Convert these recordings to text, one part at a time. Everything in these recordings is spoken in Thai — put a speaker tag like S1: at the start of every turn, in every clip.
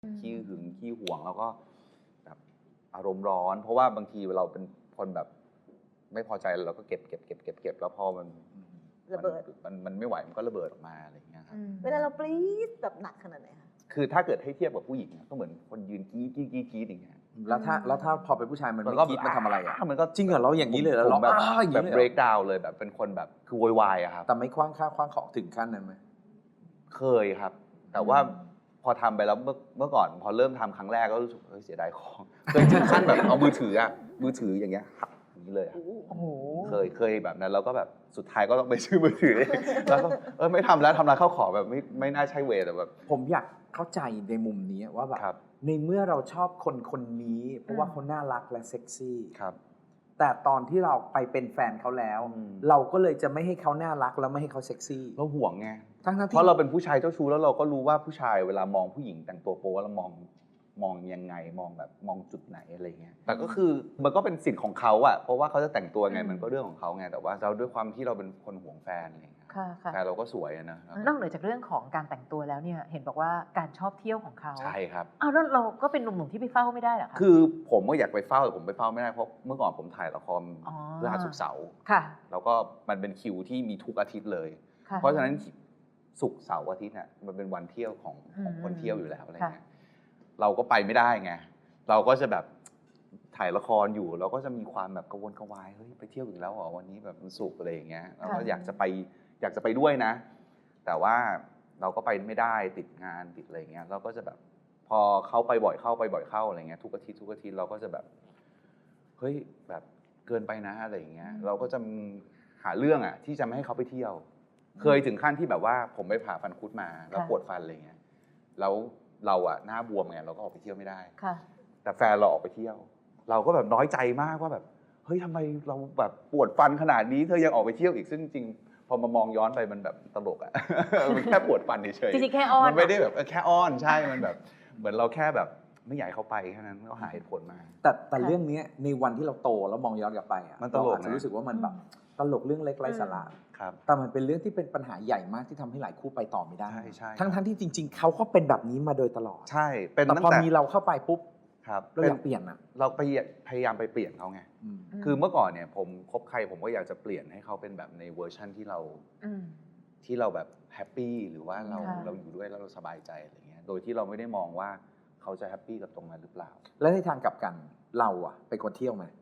S1: ขี้หึงขี้หวงแล้วก็แบบอารมณ์ร้อนเพราะว่าบางทีเราเป็นคนแบบไม่พอใจเราก็เก็บแล้วพอมัน
S2: ระเบิด
S1: มันไม่ไหวมันก็ระเบิดออกมาอะไรอย่างเงี้ยครับ
S2: เวลาเราปรี๊ดแบบหนักขนาดไหนคะ
S1: คือถ้าเกิดให้เทียบกับผู้หญิงก็เหมือนคนยืนกรี๊ดอย่างเงี้ย
S3: แล้วถ้าพอเป็นผู้ชายมันไม่คิดมันทำอะไรอ่ะ
S1: มันก็
S3: จริงเหรอเราอย่างนี้เลยเรา
S1: แบบ
S3: อย่างนี้เลย
S1: break down เลยแบบเป็นคนแบบคือโวยวายอะครับ
S3: แต่ไม่คว้างข้าวคว้างของถึงขั้นนั้นไหม
S1: เคยครับ แต่ว่าพอทำไปแล้วเมื่อก่อนพอเริ่มทำครั้งแรกก็รู้สึกเสียดายของเคยถึงขั้นแบบเอามือถืออย่างเงี้ยหักอย่างนี้เลย
S2: โอ้โห
S1: เคยแบบนั้นแล้วก็แบบสุดท้ายก็ต้องไปซื้อมือถือแล้วก็ไม่ทำแล้วทำร้านข้าวของแบบไม่น่าใช่เวแต่แบบ
S3: ผมอยากเข้าใจในมุมนี้ว่าแบบในเมื่อเราชอบคนนี้เพราะว่าเขาน่ารักและเซ็กซี่
S1: ครับ
S3: แต่ตอนที่เราไปเป็นแฟนเขาแล้วเราก็เลยจะไม่ให้เขาน่ารักแล้วไม่ให้เขาเซ็กซี่
S1: เราห่วงไง
S3: ทั้ง
S1: เพราะเราเป็นผู้ชายเจ้าชู้แล้วเราก็รู้ว่าผู้ชายเวลามองผู้หญิงแต่งตัวโป๊แล้วมองยังไงมองจุดไหนอะไรเงี้ยแต่ก็คือมันก็เป็นสิทธิ์ของเขาอะเพราะว่าเขาจะแต่งตัวไงมันก็เรื่องของเขาไงแต่ว่าเราด้วยความที่เราเป็นคนห่วงแฟนอะไรเงี้ยแต่เราก็สวยนะ
S4: นอกเหนือจากเรื่องของการแต่งตัวแล้วเนี่ยเห็นบอกว่าการชอบเที่ยวของเขา
S1: ใช่ครับ
S4: อ้าวแล้วเราก็เป็นหนุ่มๆที่ไปเฝ้าไม่ได้เหรอคะ
S1: คือผมก็อยากไปเฝ้าแต่ผมไปเฝ้าไม่ได้เพราะเมื่อก่อนผมถ่ายละครพฤหัสศุกร์เสาร์แล้วก็มันเป็นคิวที่มีทุกอาทิตย์เลยเพราะฉะนั้นศุกร์เสาร์อาทิตย์เนี่ยมันเป็นวันเที่ยวของคนเที่ยวอยู่แล้วอะไรเงี้ยเราก็ไปไม่ได้ไงเราก็จะแบบถ่ายละครอยู่เราก็จะมีความแบบกระวนกระวายเฮ้ยไปเที่ยวอีกแล้วเหรอวันนี้แบบมันศุกร์อะไรอย่างเงี้ยเราก็อยากจะไปด้วยนะแต่ว่าเราก็ไปไม่ได้ติดงานติดอะไรเงี้ยเราก็จะแบบพอเขาไปบ่อยเข้าอะไรเงี้ยทุกอาทิตย์เราก็จะแบบเฮ้ยแบบเกินไปนะอะไรอย่างเงี้ยเราก็จะหาเรื่องอ่ะที่จะไม่ให้เขาไปเที่ยวเคยถึงขั้นที่แบบว่าผมไปผ่าฟันคุดมาแล้วปวดฟันอะไรเงี้ยแล้วเราอะหน้าบวมไงเราก็ออกไปเที่ยวไม่ได้แต่แฟนเราออกไปเที่ยวเราก็แบบน้อยใจมากว่าแบบเฮ้ยทำไมเราแบบปวดฟันขนาดนี้เธอยังออกไปเที่ยวอีกซึ่งจริงพอมามองย้อนไปมันแบบตลกอะมันแค่ปวดฟันเฉย
S4: จริงๆแค่อ้อน
S1: มันไม่ได้แบบแค่อ้อนใช่มันแบบเหมือนเราแค่แบบไม่อยากให้เขาไปแค่นั้นก็หาเหตุผลมา
S3: แต่เรื่องนี้ในวันที่เราโตแล้วมองย้อนกลับไปอะ
S1: มันตลก
S3: จะรู้สึกว่ามันแบบตลกเรื่องเล็กไร้สาระแต่มันเป็นเรื่องที่เป็นปัญหาใหญ่มากที่ทำให้หลายคู่ไปต่อไม่ได้ทั้งที่จริงๆเขาก็เป็นแบบนี้มาโดยตลอด
S1: ใช่เป็น
S3: แต่พอมีเราเข้าไปปุ๊บเราอยากเปลี่ยนอะ
S1: เราพยายามไปเปลี่ยนเขาไงคือเมื่อก่อนเนี่ยผมคบใครผมก็อยากจะเปลี่ยนให้เขาเป็นแบบในเวอร์ชั่นที่เราแบบแฮปปี้หรือว่าเราอยู่ด้วยแล้วเราสบายใจอะไรเงี้ยโดยที่เราไม่ได้มองว่าเขาจะแฮปปี้กับตรงนั้นหรือเปล่า
S3: แล้วในทางกลับกันเราอะเป็นคนเที่ยวไหม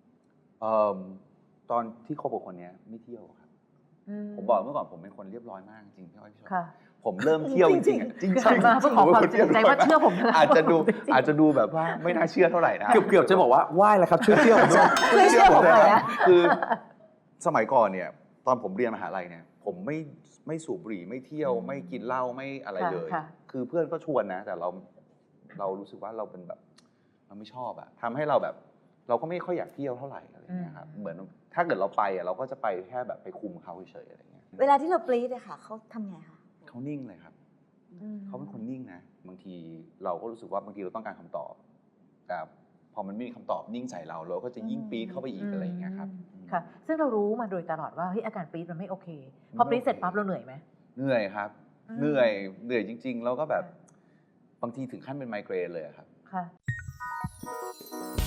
S1: ตอนที่คบกับคนนี้ไม่เที่ยวครับผมบอกเมื่อก่อนผมเป็นคนเรียบร้อยมากจริงพี่อ้อยพี่ชอบผมเริ่มเที่ยวจริงๆจริงๆ
S4: มาเพื่อขอความจริงใจว่าเชื่อผม
S1: อาจจะดูแบบว่าไม่น่าเชื่อเท่าไหร่นะ
S3: เกือบจะบอกว่าไหว้แล้วครับช่วยเที่ยวผมด้วย
S4: เชื่อผมเลยนะ
S1: คือสมัยก่อนเนี่ยตอนผมเรียนมหาลัยเนี่ยผมไม่สูบบุหรี่ไม่เที่ยวไม่กินเหล้าไม่อะไรเลยคือเพื่อนก็ชวนนะแต่เรารู้สึกว่าเราเป็นแบบเราไม่ชอบอะทำให้เราแบบเราก็ไม่ค่อยอยากเที่ยวเท่าไหร่อะไรเงี้ยครับเหมือนถ้าเกิดเราไปอะเราก็จะไปแค่แบบไปคุมเขาเฉยๆอะไรเงี้ย
S2: เวลาที่เราปรี๊ดอะค่ะเขาทำไงคะ
S1: เขานิ่งเลยครับเขาเป็นคนนิ่งนะบางทีเราก็รู้สึกว่าบางทีเราต้องการคำตอบแต่พอมันไม่มีคำตอบนิ่งใส่เราก็จะยิ่งปี๊ดเข้าไปอีกอะไรอย่างเงี้ยครับ
S4: ค่ะซึ่งเรารู้มาโดยตลอดว่าเฮ้ยอาการปี๊ดมันไม่โอเคพอปี๊ดเสร็จปั๊บเราเหนื่อยไหม
S1: เหนื่อยครับเหนื่อยจริงๆแล้วก็แบบบางทีถึงขั้นเป็นไมเกรนเลยครับ
S4: ค่ะ